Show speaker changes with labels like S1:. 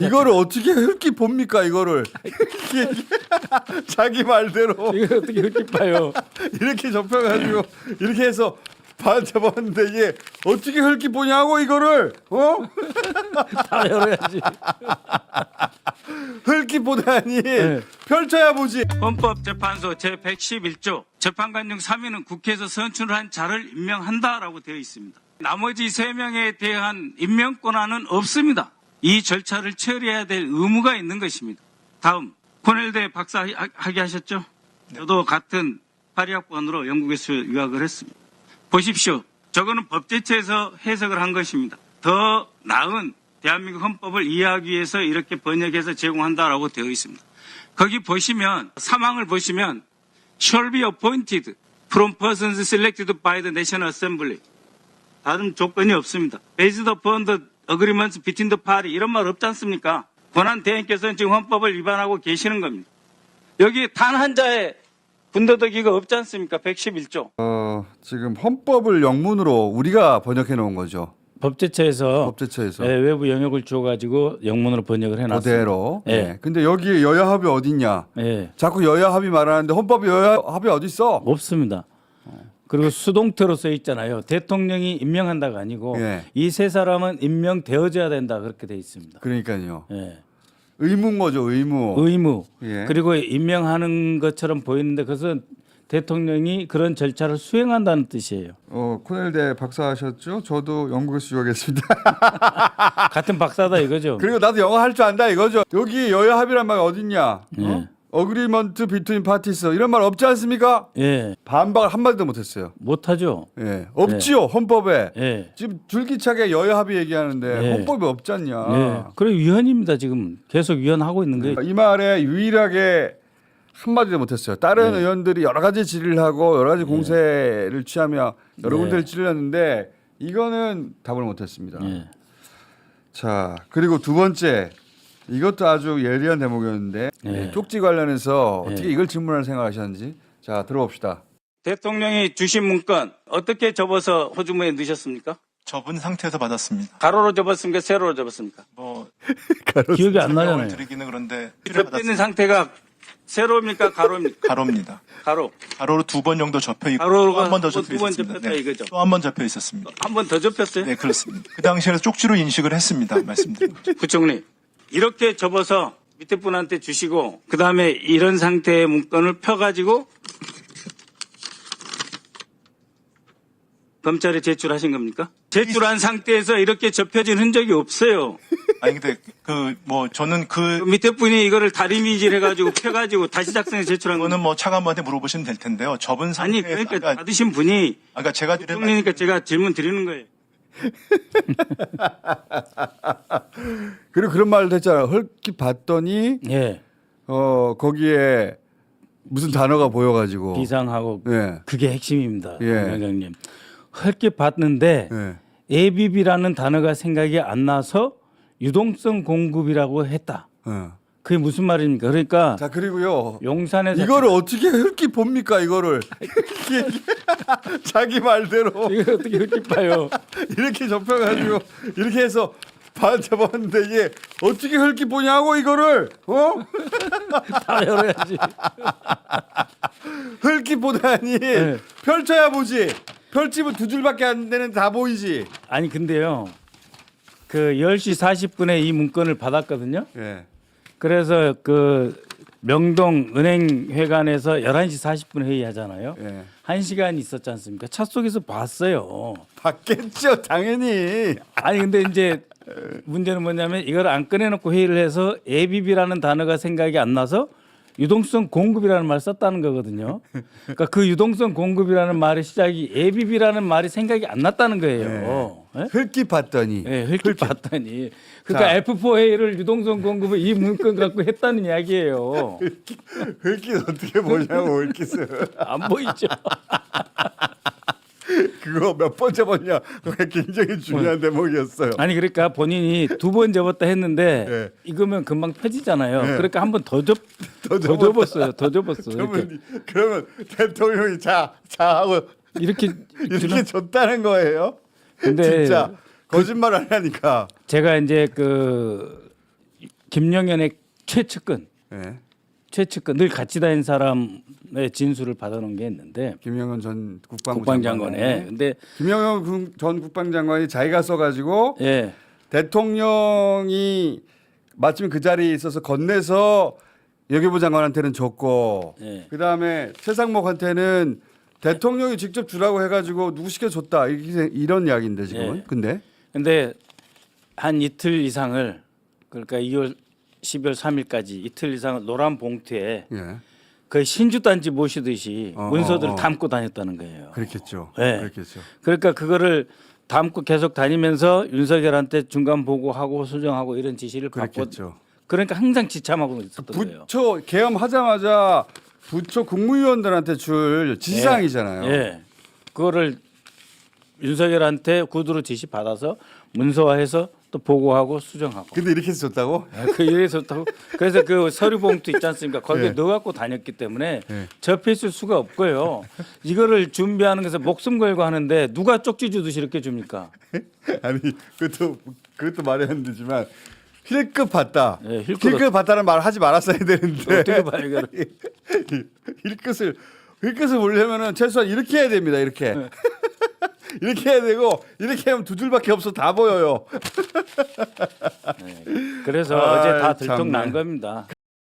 S1: 이거를 어떻게 흙기 봅니까 이거를 자기 말대로
S2: 이거 어떻게 흙기 봐요?
S1: 이렇게 접혀가지고 이렇게 해서 반 잡았는데 이게 어떻게 흙기 보냐고 이거를
S2: 다 열어야지.
S1: 흙기 보다니
S2: 네.
S1: 펼쳐야 보지.
S3: 헌법재판소 제111조 재판관 중 3인은 국회에서 선출한 자를 임명한다라고 되어 있습니다. 나머지 3명에 대한 임명 권한은 없습니다. 이 절차를 처리해야 될 의무가 있는 것입니다. 다음 코넬대 박사 학위 하셨죠? 저도 같은 파리학번으로 영국에서 유학을 했습니다. 보십시오. 저거는 법제처에서 해석을 한 것입니다. 더 나은 대한민국 헌법을 이해하기 위해서 이렇게 번역해서 제공한다라고 되어 있습니다. 거기 보시면 사망을 보시면 shall be appointed from persons selected by the National Assembly. 다른 조건이 없습니다. Based upon the agreements between the party 이런 말 없지 않습니까? 권한 대행께서는 지금 헌법을 위반하고 계시는 겁니다. 여기 단 한 자의 군더더기가 없지 않습니까? 111조.
S1: 지금 헌법을 영문으로 우리가 번역해 놓은 거죠.
S2: 법제처에서
S1: 법제처에서
S2: 외부 영역을 주어가지고 영문으로 번역을 해놨어요.
S1: 그대로.
S2: 예.
S1: 네. 근데 여기 여야 합의 어딨냐?
S2: 예.
S1: 자꾸 여야 합의 말하는데 헌법에 여야 합의 어디 있어?
S2: 없습니다. 그리고 수동태로 써 있잖아요. 대통령이 임명한다가 아니고
S1: 예.
S2: 이 세 사람은 임명되어져야 된다 그렇게 돼 있습니다.
S1: 그러니까요.
S2: 예.
S1: 의무인 거죠, 의무.
S2: 의무.
S1: 예.
S2: 그리고 임명하는 것처럼 보이는데 그것은 대통령이 그런 절차를 수행한다는 뜻이에요.
S1: 코넬대 박사하셨죠? 저도 영국에서 유학했습니다.
S2: 같은 박사다 이거죠.
S1: 그리고 나도 영어 할 줄 안다 이거죠. 여기 여야 합의란 말이 어딨냐?
S2: 예.
S1: 어그리먼트 비트윈 파티스 이런 말 없지 않습니까?
S2: 예.
S1: 반박을 한 마디도 못했어요.
S2: 못하죠.
S1: 예, 없지요 헌법에.
S2: 예.
S1: 지금 줄기차게 여야 합의 얘기하는데
S2: 예.
S1: 헌법에 없지 않냐?
S2: 예. 그래 위헌입니다 지금 계속 위헌하고 있는 거예요.
S1: 이 말에 유일하게 한 마디도 못했어요. 다른
S2: 네.
S1: 의원들이 여러 가지 질의를 하고 여러 가지 공세를 취하며 여러
S2: 네.
S1: 군데를 찔렀는데 이거는 답을 못했습니다.
S2: 예.
S1: 자 그리고 두 번째 이것도 아주 예리한 대목이었는데
S2: 네.
S1: 쪽지 관련해서
S2: 네.
S1: 어떻게 이걸 질문할 생각하셨는지 자 들어봅시다.
S3: 대통령이 주신 문건 어떻게 접어서 호주머니에 넣으셨습니까?
S4: 접은 상태에서 받았습니다.
S3: 가로로 접었습니까? 세로로 접었습니까?
S4: 뭐
S2: 기억이 안
S4: 설명을
S2: 나잖아요.
S4: 드리기는 그런데
S3: 접혀 있는
S4: 받았습니다.
S3: 상태가 세로입니까? 가로입니까?
S4: 가로입니다.
S3: 가로.
S4: 가로로 2번 정도 접혀 있고
S3: 가로가
S4: 한 번 더
S3: 두
S4: 접혀
S3: 번
S4: 있었습니다.
S3: 접혔다 이거죠?
S4: 또 한 번 접혀 있었습니다.
S3: 한 번 더 접혔어요?
S4: 네, 그렇습니다. 그 당시에는 쪽지로 인식을 했습니다. 말씀드린 거죠.
S3: 부총리 이렇게 접어서 밑에 분한테 주시고 그 다음에 이런 상태의 문건을 펴가지고 검찰에 제출하신 겁니까? 제출한 상태에서 이렇게 접혀진 흔적이 없어요.
S4: 아니 근데 저는
S3: 그 밑에 분이 이거를 다리미질 해가지고 펴가지고 다시 작성해 제출한
S4: 그거는
S3: 거는
S4: 뭐 차관한테 물어보시면 될 텐데요. 접은
S3: 아니
S4: 상태에서
S3: 그러니까 받으신 분이
S4: 아까 제가 드린
S3: 부총리니까 제가 질문 드리는 거예요.
S1: 그리고 그런 말도 했잖아요. 헐기 봤더니
S2: 예.
S1: 거기에 무슨 단어가 보여가지고
S2: 비상하고
S1: 예.
S2: 그게 핵심입니다.
S1: 예.
S2: 위원장님. 헐게 봤는데
S1: 예.
S2: ABB라는 단어가 생각이 안 나서 유동성 공급이라고 했다. 그게 무슨 말입니까? 그러니까
S1: 자 그리고요.
S2: 용산에서
S1: 이거를 어떻게 흙기 봅니까 이거를 자기 말대로
S2: 이거 어떻게 흙기 봐요?
S1: 이렇게 접혀가지고 이렇게 해서 반 잡았는데 이게 어떻게 흙기 보냐고 이거를
S2: 다 열어야지.
S1: 흙기 보다니
S2: 네.
S1: 펼쳐야 보지. 펼치면 두 줄밖에 안 되는 다 보이지.
S2: 아니 근데요. 그 10시 40분에 이 문건을 받았거든요.
S1: 예.
S2: 그래서 그 명동 은행회관에서 11시 40분 회의하잖아요.
S1: 예.
S2: 1시간 있었지 않습니까? 차 속에서 봤어요.
S1: 받겠죠 당연히.
S2: 아니 근데 이제 문제는 뭐냐면 이걸 안 꺼내놓고 회의를 해서 ABB라는 단어가 생각이 안 나서 유동성 공급이라는 말을 썼다는 거거든요. 그러니까 그 유동성 공급이라는 말의 시작이 ABB라는 말이 생각이 안 났다는 거예요. 예?
S1: 흙기 봤더니.
S2: 네, 흙을 봤더니 그러니까 F4 회의를 유동성 공급을 이 문건 갖고 했다는 이야기예요.
S1: 흙기 어떻게 보냐고 흙기스.
S2: 안 보이죠?
S1: 그거 몇 번 접었냐. 그게 굉장히 중요한 대목이었어요.
S2: 아니 그러니까 본인이 2번 접었다 했는데
S1: 네.
S2: 이거면 금방 펴지잖아요.
S1: 네.
S2: 그러니까 한 번 더 접었어요. 더 접었어. 이렇게,
S1: 그러면 대통령이 자 하고
S2: 이렇게
S1: 이렇게 줬다는 거예요?
S2: 근데
S1: 진짜 거짓말 안 하니까.
S2: 제가 이제 그 김영현의 최측근,
S1: 예.
S2: 최측근 늘 같이 다닌 사람의 진술을 받아놓은 게 있는데
S1: 김영현 전 국방부
S2: 국방장관에. 근데
S1: 김영현 전 국방장관이 자기가 써가지고
S2: 예,
S1: 대통령이 마침 그 자리에 있어서 건네서 여기부 장관한테는 줬고
S2: 예.
S1: 그다음에 최상목한테는 대통령이 직접 주라고 해가지고 누구 시켜줬다 이런 이야기인데 지금은.
S2: 예.
S1: 근데
S2: 한 이틀 이상을 그러니까 12월 3일까지 이틀 이상을 노란 봉투에
S1: 예.
S2: 거의 신주단지 모시듯이 문서들을
S1: 어.
S2: 담고 다녔다는 거예요.
S1: 그렇겠죠.
S2: 네.
S1: 그렇겠죠.
S2: 그러니까 그거를 담고 계속 다니면서 윤석열한테 중간 보고하고 수정하고 이런 지시를 받고
S1: 그렇겠죠.
S2: 그러니까 항상 지참하고 있었던 거예요.
S1: 부처 계엄하자마자 부처 국무위원들한테 줄 지시사항이잖아요.
S2: 예. 그거를 윤석열한테 구두로 지시 받아서 문서화해서 또 보고하고 수정하고.
S1: 근데 이렇게 해서 줬다고?
S2: 그 이래서 좋다고. 그래서 그 서류 봉투 있지 않습니까? 거기에
S1: 예.
S2: 넣어 갖고 다녔기 때문에
S1: 예.
S2: 접했을 수가 없고요. 이거를 준비하는 것에 목숨 걸고 하는데 누가 쪽지 주듯이 이렇게 줍니까?
S1: 아니 그것도 말이 안 되지만 힐급 봤다.
S2: 예,
S1: 힐급 봤다는 말 하지 말았어야 되는데
S2: 어떻게 봐요, 이거를?
S1: 힐끝을 보려면은 최소한 이렇게 해야 됩니다. 이렇게
S2: 네.
S1: 이렇게 해야 되고 이렇게 하면 두 줄밖에 없어 다 보여요.
S2: 그래서
S1: 아이,
S2: 어제 다 들통난
S1: 참네.
S2: 겁니다.